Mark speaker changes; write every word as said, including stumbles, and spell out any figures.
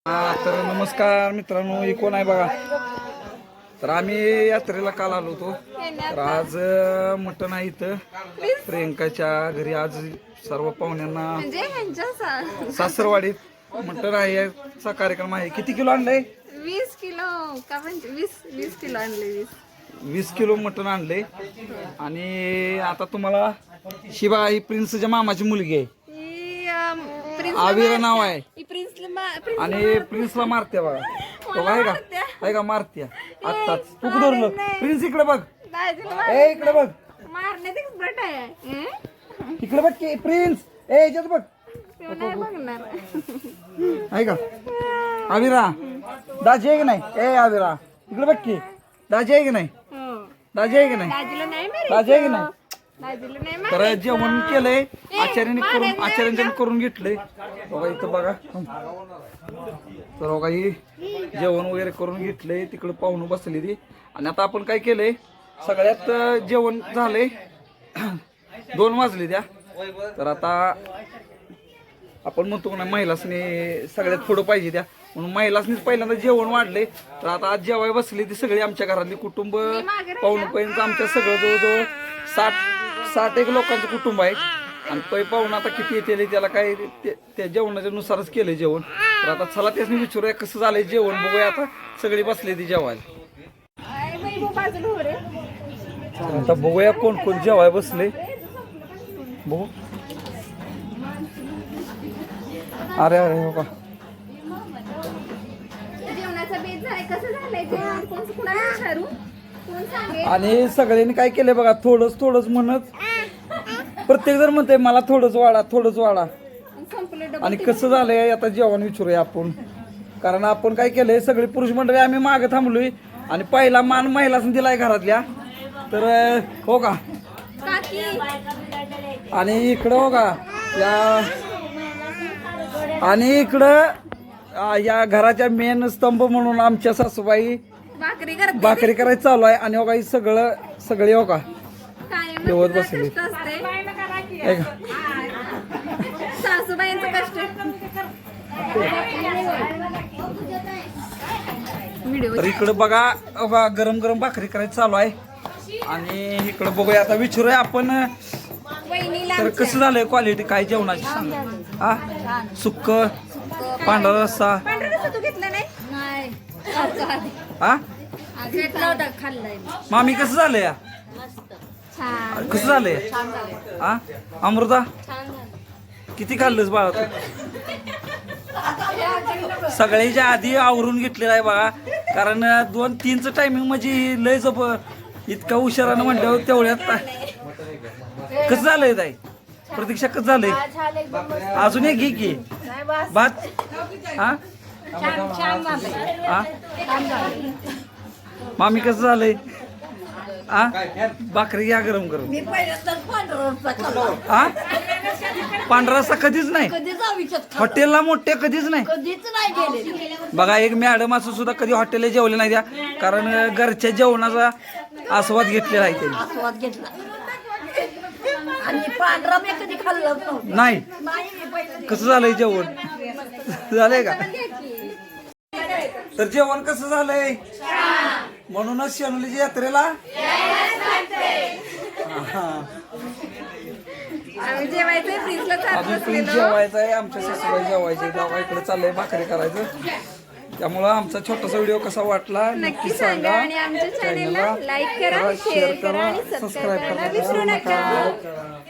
Speaker 1: हा तर नमस्कार मित्रांनो, ही कोण आहे बघा. तर आम्ही यात्रेला काल आलो होतो. तर आज मटण आहे इथं प्रियंकाच्या घरी. आज सर्व पाहुण्यांना
Speaker 2: म्हणजे
Speaker 1: सासरवाडीत मटण आहे याचा कार्यक्रम आहे. किती किलो आणलंय?
Speaker 2: वीस किलो का म्हणजे वीस वीस किलो आणले. वीस
Speaker 1: वीस किलो मटण आणले. आणि आता तुम्हाला शिवा ही प्रिन्सच्या मामाची मुलगी आहे. आविरा नाव आहे. आणि प्रिन्सला मारते बघा. तो आहे का आहे का मारते आत्ताच. तू धरलं प्रिन्स. इकडे बघ, ए इकडे बघ,
Speaker 2: मारण्यात एक्सपर्ट आहे.
Speaker 1: इकडे बघ की प्रिन्स. ए याच्यात बघ आहे का आविरा. दाजी आहे की नाही? ए आविरा इकडे बघ की. दाजी आहे की नाही? दाजी आहे की नाही? दाजी आहे की नाही? तर जेवण केलंय आचार्याने करून आचार्यांनी करून घेतलंय बघा. इथं बघा. तर बघा ही जेवण वगैरे करून घेतलंय. तिकडे पाहुणं बसली ती. आणि आता आपण काय केलंय, सगळ्यात जेवण झालंय. दोन वाजले द्या. तर आता आपण म्हणतो ना महिलासनी सगळ्यात पुढं पाहिजे द्या, म्हणून महिलासनीच पहिल्यांदा जेवण वाढले. तर आता आज जेवाय बसली ती सगळी आमच्या घरातली कुटुंब पाहुणपर्यंत. आमच्या सगळं जवळजवळ साठ साठ एक लोकांचं कुटुंब आहे. आणि पै पाहुणं आता किती येते त्याला काय त्या जेवणाच्या नुसारच केलंय जेवण. तर आता चला त्यासनी विचारूया कसं झालंय जेवण. बघूया आता सगळी बसली ती जेवायला. आता बघूया कोण कोण जेवाय बसले. बघू. अरे अरे हो का. आणि सगळ्यांनी काय केलंय बघा, थोडंच थोडंच म्हणत प्रत्येक जण म्हणते मला थोडंच वाढा थोडंच वाढा. आणि कसं झालंय आता जेवण विचारूया आपण. कारण आपण काय केलंय, सगळी पुरुष मंडळी आम्ही मागे थांबलोय. आणि पहिला मान महिलाच दिलाय घरातल्या. तर हो का. आणि इकडं हो का या आणि इकडं या घराच्या मेन स्तंभ म्हणून आमच्या सासूबाई भाकरी करायचं चालू आहे. आणि हो का सगळं सगळे हो का जेवत बसले. तर इकडं बघा बघा गरम गरम भाकरी करायचं चालू आहे. आणि इकडं बघूया आता विचारूया आपण. तर कसं झालंय क्वालिटी काय जेवणाची सांगा. हा सुक्क पांढरा रस्सा हा मामी कसं झालंय या कसं झालंय हा अमृता किती खाल्लंस बाळा तू? सगळ्याच्या आधी आवरून घेतलेलं आहे बघा. कारण दोन तीनचं टायमिंग म्हणजे लय जब इतका उशिरानं म्हटल्यावर तेवढ्यात कसं झालंय ताई प्रतीक्षा कसं झालंय? अजून एक घे की भात. हा हा मामी कसं झालंय? हा भाकरी घ्या गरम गरम. हा पांढरा रस्सा कधीच नाही हॉटेलला मोठे कधीच नाही बघा. एक मॅडम असं सुद्धा कधी हॉटेलला जेवले नाही द्या, कारण घरच्या जेवणाचा आस्वाद घेतलेला आहे त्यांनी.
Speaker 3: आस्वाद घेतला आणि पांढरा मी कधी खाल्लं
Speaker 1: नाही. कसं झालंय जेवण? झालंय का? तर जेवण कसं झालंय? म्हणूनच शेनुलीच्या यात्रेला अजून प्रिन्स जेवायचं आहे. आमच्या सासूबाई जेवायचे गावा इकडे चाललंय भाकरी करायचं. त्यामुळं आमचा छोटासा व्हिडिओ कसा वाटला नक्की सांगा.
Speaker 2: आमच्या चॅनलला लाईक करा, शेअर करा आणि सबस्क्राईब करायला विसरू नका.